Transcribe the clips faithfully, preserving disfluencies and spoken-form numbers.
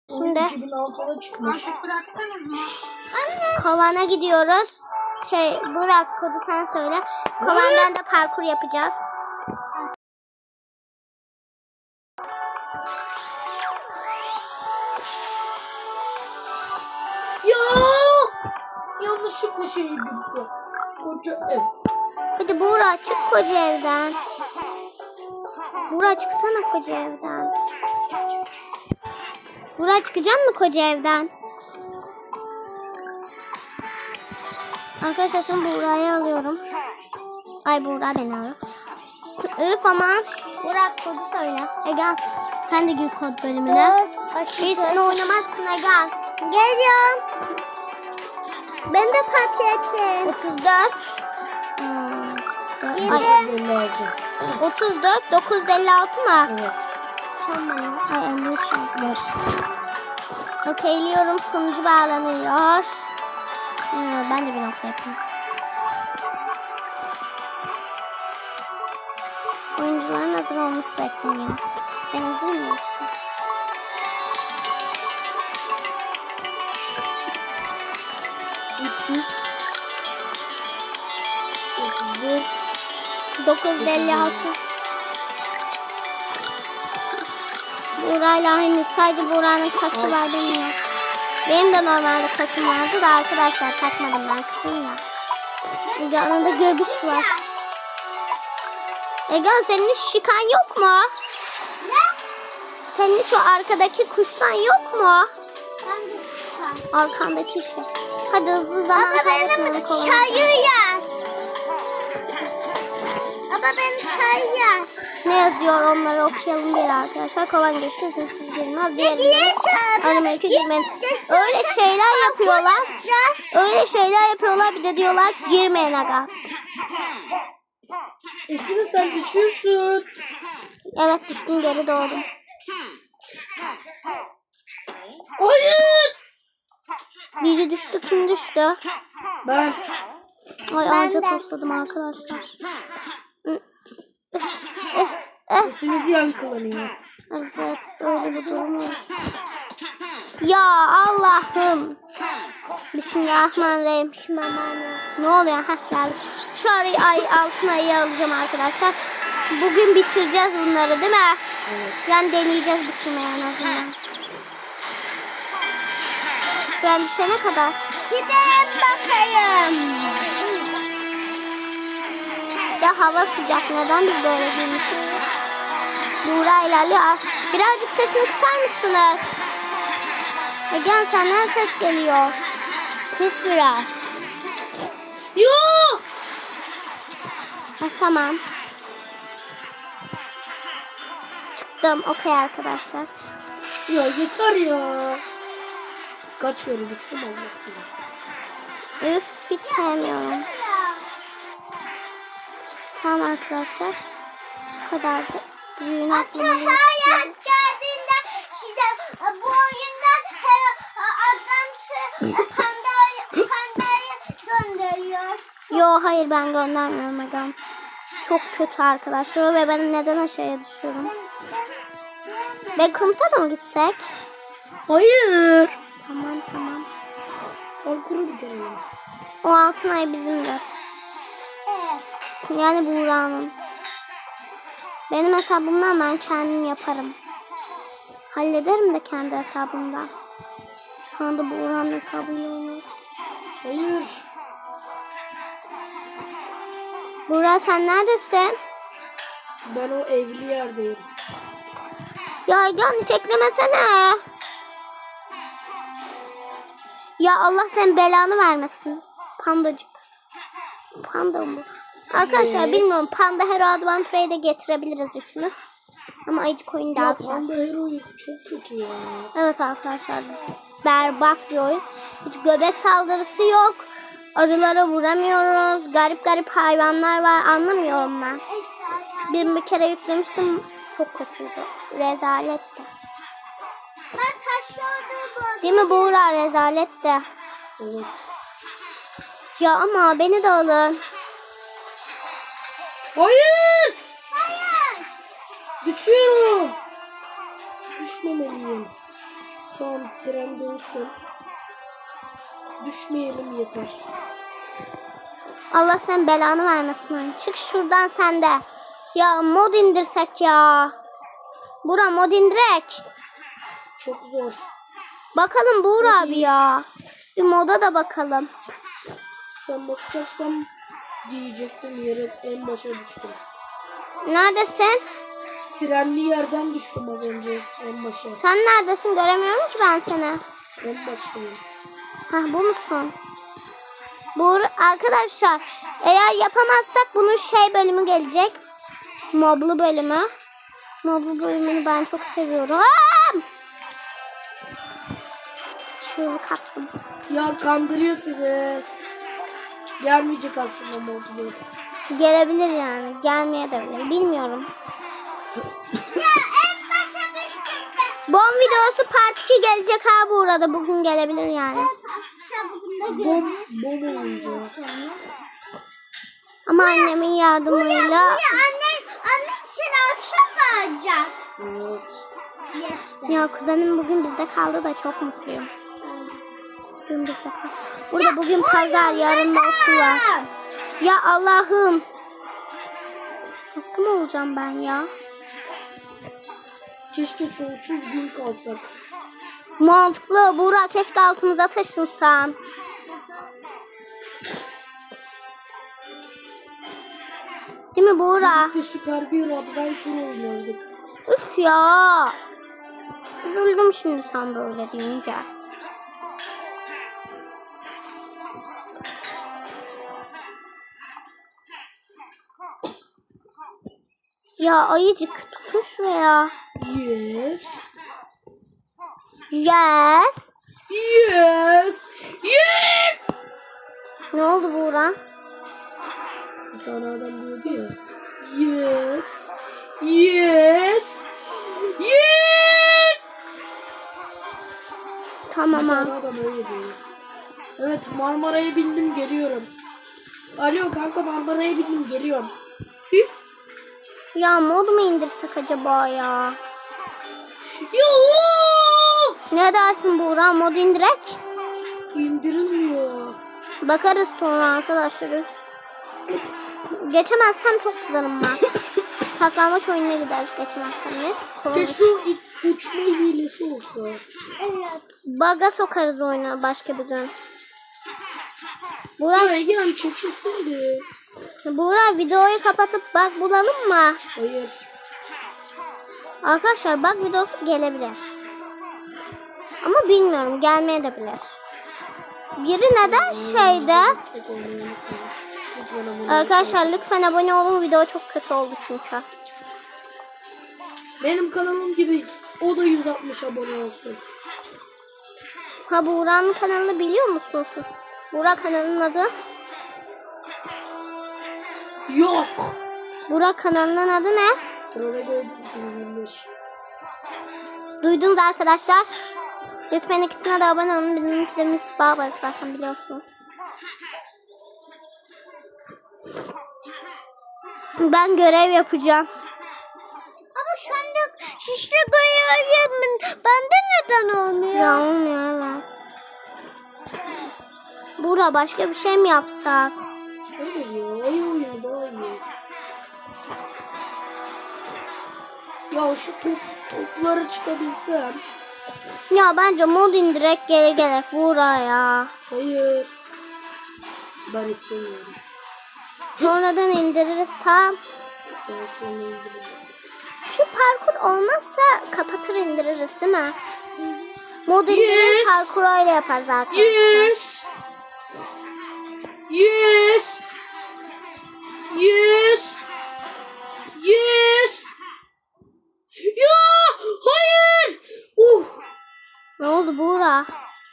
Şimdi iki bin altıda çıkmış. kovana gidiyoruz. Şey Burak kodu sen söyle. Kovandan da parkur yapacağız. Ya yanlışlıkla şey gitti. Koca ev. Hadi Burak çık koca evden. Burak çıksana koca evden. Burak çıkacak mı koca evden? Arkadaşlar şimdi Burak'ı alıyorum. Ay Burak beni alıyor. Üf aman. Burak kodu söyle. Egal sen de gir kod bölümüne. Hiçbir oynamazsın Egal. Geliyorum. Ben de patlayacağım. otuz dört. Hmm. Ay. otuz dört. dokuz yüz elli altı mı? Evet. Tamam. Ay elli üç. Ver. Okeyliyorum. Sunucu bağlanıyor. Hmm, ben de bir nokta yapayım. Oyuncuların hazır olması bekleniyor. Ben hazır mıyım işte? dokuz yüz elli altı. Buğra'yla henüz sadece Buğra'nın kası var demiyor. Benim de normalde kasım vardı da arkadaşlar takmadım ben kasım ya. Ege'nin de göbüş var. Ege senin hiç şikan yok mu? Ne? Senin hiç o arkadaki kuştan yok mu? Arkandaki işte. Hadi hızlı zaman kaybetmeyelim. Baba benim çayı yer. Baba benim çayı yer. Ne yazıyor onları okuyalım bir arkadaşlar. Kovan geçti hızsız girmez. Diğerinde aramayı girmeyin. Öyle şeyler yapıyorlar. Öyle şeyler yapıyorlar bir de diyorlar girmeyin aga. Esin sen düşüyorsun. Evet düştüm geri doğdum. Hayır. Biri düştü kim düştü? Ben. Ay ağaca tosladım arkadaşlar. Sesimiz yankılanıyor. Evet öyle bir durum var. Ya Allah'ım. Bismillahirrahmanirrahim. Bismillahirrahmanirrahim. Ne oluyor? Heh geldik. Şu arayı ay altına ayı alacağım arkadaşlar. Bugün bitireceğiz bunları değil mi? Evet. Yani deneyeceğiz bitirmeye en azından. Ben düşene kadar. Gidelim bakayım. Ya hava sıcak. Neden biz böyle giymişiz? Buğra ilerliyor. Birazcık sesini kısar mısınız? Egen senden ses geliyor. Kıs biraz. Yok. Heh, tamam. Çıktım. Okey arkadaşlar. Ya yeter ya. Kaç kere düştüm Allah. Üf hiç sevmiyorum. Tamam arkadaşlar. Bu kadardı. Büyüğün aklımda. Hayat geldiğinde size bu oyundan adam pandayı pandayı gönderiyor. Yo hayır ben göndermiyorum Agam. Çok kötü arkadaşlar ve ben neden aşağıya düşüyorum? Backrooms'a da mı gitsek? Hayır. Tamam tamam. Parkuru bitirelim. O altın ay bizimdir. Evet. Yani Buğra'nın. Benim hesabımdan ben kendim yaparım. Hallederim de kendi hesabımdan. Şu anda Buğra'nın hesabıyla oynuyoruz. Hayır. Buğra sen neredesin? Ben o evli yerdeyim. Ya Egan hiç eklemesene. Ya Allah senin belanı vermesin. Pandacık. Panda mı? Arkadaşlar Evet. bilmiyorum. Panda Hero Adventure'yi de getirebiliriz düşünün. Ama ayıcık oyun daha Ya güzel. Panda Hero'yu çok kötü ya. Evet arkadaşlar. Berbat bir oyun. Hiç göbek saldırısı yok. Arılara vuramıyoruz. Garip garip hayvanlar var. Anlamıyorum ben. Bir, bir kere yüklemiştim. Çok kötüydü. Rezaletti. Ben taşıyordum. Değil mi Buğra? Rezaletti. Evet. Ya ama beni de alın. Hayır. Hayır. Düşüyorum. Düşmemeliyim. Tamam, tren dönsün. Düşmeyelim yeter. Allah sen belanı vermesin. Çık şuradan sen de. Ya mod indirsek ya. Bura mod indirek. Çok zor. Bakalım Buğra Hadi. abi ya. Bir moda da bakalım. Sen bakacaksam diyecektim, yere en başa düştüm. Neredesin? Trenli yerden düştüm az önce en başa. Sen neredesin? Göremiyorum ki ben seni. En baştayım. Hah bu musun? Bu arkadaşlar eğer yapamazsak bunun şey bölümü gelecek. Moblu bölümü. Moblu bölümünü ben çok seviyorum. Aa! Çığlık attım. Ya kandırıyor sizi. Gelmeyecek aslında modlu. Gelebilir yani. Gelmeye de bilir. Bilmiyorum. Ya en başa düştüm ben. Bom videosu part iki gelecek ha bu arada. Bugün gelebilir yani. Akşam bugün de Bom, bom oyuncu. Ama annemin yardımıyla. Ya anne, anne için akşam mı alacak? Evet. Yes. Ya kuzenim bugün bizde kaldı da çok mutluyum. Bugün bizde kaldı. Burada bugün pazar, yarın da okul var. Ya Allah'ım. Hasta mı olacağım ben ya? Keşke sonsuz gün kalsak. Mantıklı. Buğra keşke altımıza taşınsan. Değil mi Buğra? Birlikte süper bir adventure oynardık. Üf ya. Üzüldüm şimdi sen böyle deyince. Ya ayıcık tutun şuraya. Yes. Yes. Yes. Yes. Ne oldu Buğra? Bir tane adam diyordu ya. Yes. Yes. Yes. Tamam Bir ha. tane adam öyle diyor. Evet, Marmara'ya bindim, geliyorum. Alo kanka, Marmara'ya bindim, geliyorum. Hı? Ya mod mu indirsek acaba ya? Yoo! Ne dersin Buğra? Mod indirek? İndirilmiyor. Bakarız sonra arkadaşlar. Geçemezsem çok kızarım ben. Saklanmaç oyununa gideriz geçemezsem. Neyse. Keşke o i- uçma hilesi olsa. Evet. Baga sokarız oyuna başka bir gün. Buğra, Ya Ege'm çekilseydi. Buğra videoyu kapatıp bak bulalım mı? Hayır. Arkadaşlar bak videosu gelebilir. Ama bilmiyorum gelmeye de bilir. Biri neden şeyde? Destek olmayı unutmayın. Lütfen abone Arkadaşlar olun. lütfen abone olun. Video çok kötü oldu çünkü. Benim kanalım gibi o da yüz altmış abone olsun. Ha Buğra'nın kanalını biliyor musunuz siz? Buğra kanalının adı? Yok. Buğra kanalının adı ne? Travego Edit iki bin yirmi beş. Duydunuz arkadaşlar. Lütfen ikisine de abone olun. Benimki de Miss Barbarak zaten biliyorsunuz. Ben görev yapacağım. Ama sen de şişli görevimin bende neden olmuyor? Ya olmuyor evet. Buğra başka bir şey mi yapsak? Hayır ya, ayı oyunu daha iyi. Ya şu top, topları çıkabilsem. Ya bence mod indirek geri gerek Buğra ya. Hayır. Ben istemiyorum. Sonradan indiririz tamam. Daha sonra indiririz. Şu parkur olmazsa kapatır indiririz değil mi? Mod indirir Yes. parkuru öyle yaparız arkadaşlar. Yes. Yes. Yes. Yes. Ya hayır. Uh. Ne oldu Buğra?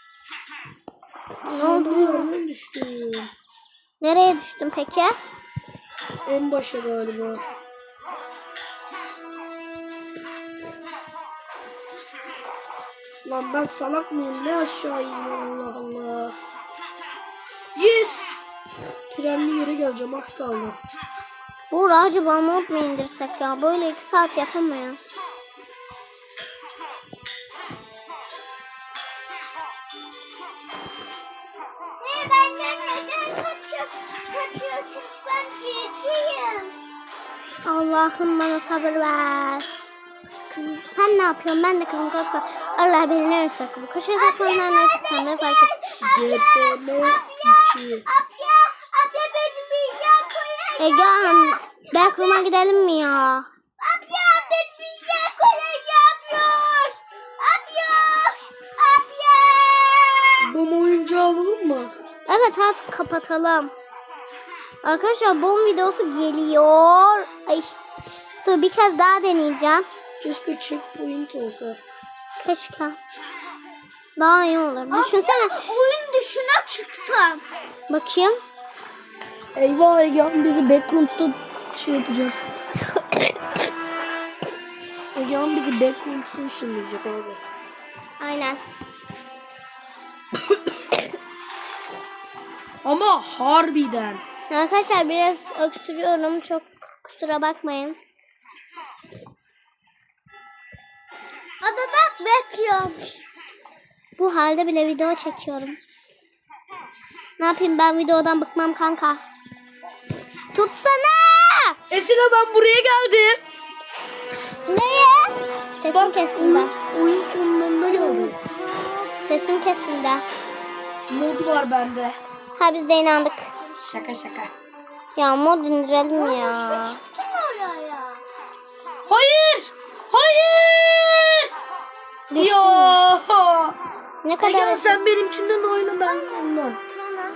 Ne oldu Buğra? Nereden düştüm? Nereye düştün peki? En başa galiba. Lan ben salak mıyım? Ne aşağı iniyorum, Allah Allah. Yes. Trenli yere geleceğim, az kaldı. Buğra acaba mod mu indirsek ya? Böyle iki saat yapamayız. Anne benden neden kaçıyor, kaçıyorsunuz? Ben büyücüyüm. Allah'ım bana sabır ver. Kız sen ne yapıyorsun? Ben de kızım korkma. Allah beni ne sakın. Koşuyor saklanlar neyse sen de fark et. G P M iki. Abla, abla beni büyüyen koyacak. Egehan backroom'a gidelim mi ya? Abla beni büyüyen koyacak. Abla, abla. Bom oyuncağı alalım mı? Evet artık kapatalım. Arkadaşlar bomb videosu geliyor. Ay. Dur bir kez daha deneyeceğim. Keşke checkpoint olsa. Keşke. Daha iyi olur. Düşünsene. Oyun dışına çıktım. Bakayım. Eyvah Egehan bizi backrooms'ta şey yapacak. Egehan bizi backrooms'ta ışınlayacak abi. Aynen. Ama harbiden. Arkadaşlar biraz öksürüyorum. Çok kusura bakmayın. Abi bak bekliyorum. Bu halde bile video çekiyorum. Ne yapayım ben videodan bıkmam kanka. Tutsana! Esra ben buraya geldim. Neye? Sesim kesildi. Oyun, oyun sonlarına geldim. Sesim kesildi. Mod var bende. Ha biz de inandık. Şaka şaka. Ya mod indirelim ya. Çıktım oraya. Hayır! Hayır! Düştüm. Ya! Ne kadar Egehan sen benimkinden oyna ben ondan. Tamam.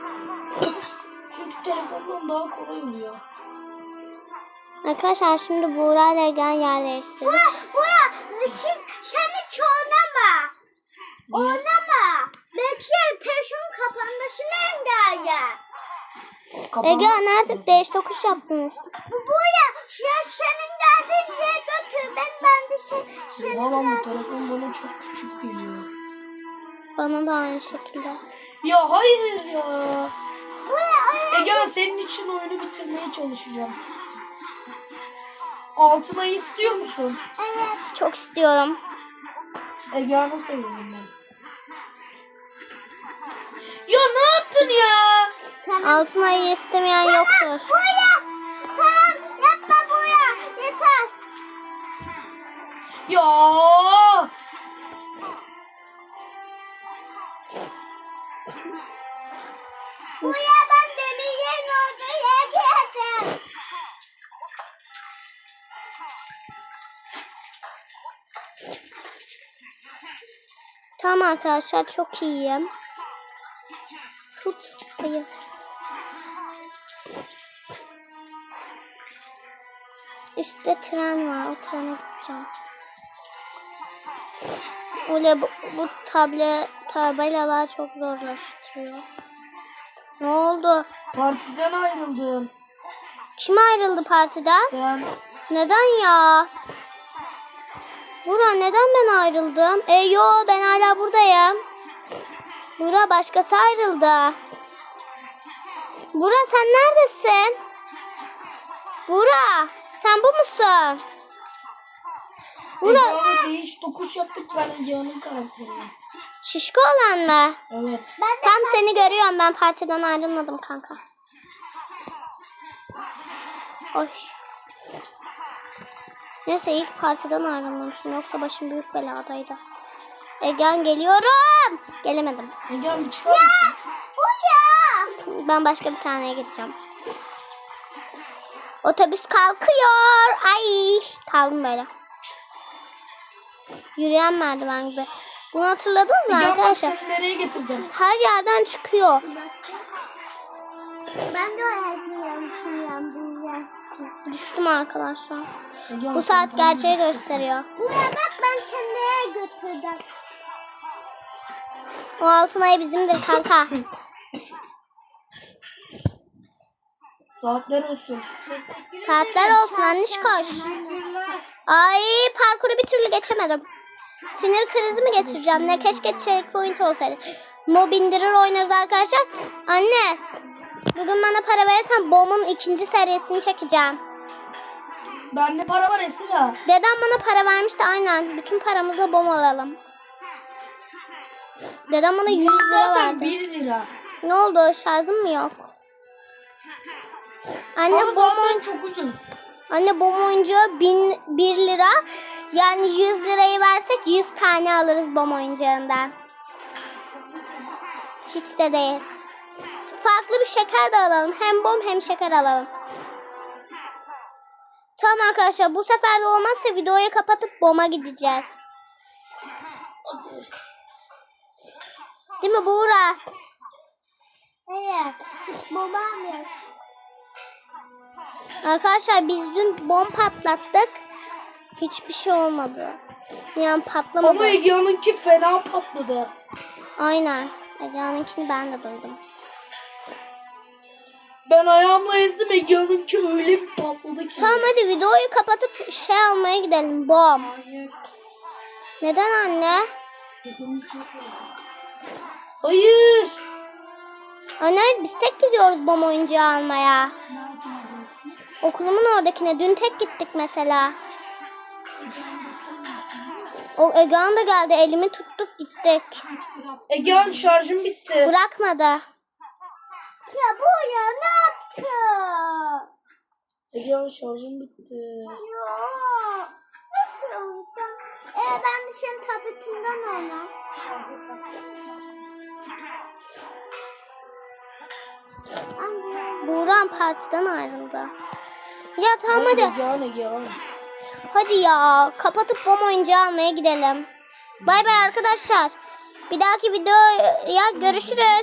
Çünkü telefondan daha kolay oluyor. Arkadaşlar şimdi Buğra ile Egen yerleştirdik. Bura, bura. Siz, sen hiç oynama. Oynama. Belki telefonun kapanmasını engeller. Egen artık değiş tokuş yaptınız. Bu buraya. Şu an senin geldiğin yere götür. Ben, ben de sen, senin Valla bu geldiğin- telefon bana çok küçük geliyor. Bana da aynı şekilde. Ya hayır ya. Buraya, oraya. Egehan senin için oyunu bitirmeye çalışacağım. Altına istiyor musun? Evet. Çok istiyorum. Egehan'a söyleyeyim ben. Ya ne yaptın ya? Altın ayı istemeyen yoktur. Buraya. Tamam. Yapma buraya. Yeter. Ya. Buraya ben demirin olduğu yere geldim. Tamam arkadaşlar çok iyiyim. Tut. Hayır. Üstte tren var. O trene gideceğim. Öyle bu, bu table, tabelalar çok zorlaştırıyor. Ne oldu? Partiden ayrıldın. Kim ayrıldı partiden? Sen. Neden ya? Bura neden ben ayrıldım? E yo ben hala buradayım. Bura başkası ayrıldı. Bura sen neredesin? Bura sen bu musun? Bura Egehan'a değiş tokuş yaptık ben Egehan'ın karakterine. şişko olan mı? Evet. Tam seni görüyorum ben partiden ayrılmadım kanka. Oy. Neyse ilk partiden ayrılmamışım yoksa başım büyük beladaydı. Egen geliyorum. Gelemedim. Egehan bir çıkar mısın? Buraya. Ben başka bir taneye gideceğim. Otobüs kalkıyor. Ay kaldım böyle. Yürüyen merdiven gibi. Bunu hatırladınız mı Egehan bak arkadaşlar? seni nereye getirdim? Her yerden çıkıyor. Ben de oraya gidiyorum şimdi. Buraya. Düştüm arkadaşlar. Egehan, Bu sen saat bana gerçeği bir- gösteriyor. Buraya bak ben seni nereye götürdüm. O altın ayı bizimdir kanka. Saatler olsun. Saatler olsun anniş koş. Ay parkuru bir türlü geçemedim. Sinir krizi mi geçireceğim? Ne keşke checkpoint olsaydı. Mob indirir oynarız arkadaşlar. Anne bugün bana para verirsen Bom'un ikinci serisini çekeceğim. Bende para var Esra. Dedem bana para vermişti aynen. Bütün paramızla Bom alalım. Dedem bana yüz lira Zaten verdi. bir lira. Ne oldu? Şarjım mı yok? Anne Ama bom zaten çok ucuz. Anne bom oyuncağı bin bir lira. Yani yüz lirayı versek yüz tane alırız bom oyuncağından. Hiç de değil. Farklı bir şeker de alalım. Hem bom hem şeker alalım. Tamam arkadaşlar, bu sefer de olmazsa videoyu kapatıp boma gideceğiz. Değil mi Buğra? Evet. Babam yok. Arkadaşlar biz dün bom patlattık. Hiçbir şey olmadı. Yani patlamadı. Ama Egea'nınki fena patladı. Aynen. Egea'nınkini ben de duydum. Ben ayağımla ezdim, Egea'nınki öyle bir patladı ki. Tamam hadi videoyu kapatıp şey almaya gidelim. Bom. Neden anne? Hayır. Anne biz tek gidiyoruz bom oyuncağı almaya. Okulumun oradakine. Dün tek gittik mesela. O Egean da geldi. Elimi tuttuk gittik. Egea'nın şarjım bitti. Bırakmadı. Ya bu ya ne yaptı? Egea'nın şarjım bitti. Ya nasıl olsa? Ee, ben de senin tabletinden oynam. Anne. Buğran partiden ayrıldı. Ya tamam hadi. Egea'nın Egea'nın. Hadi ya. Kapatıp bom oyuncağı almaya gidelim. Bay bay arkadaşlar. Bir dahaki videoya görüşürüz.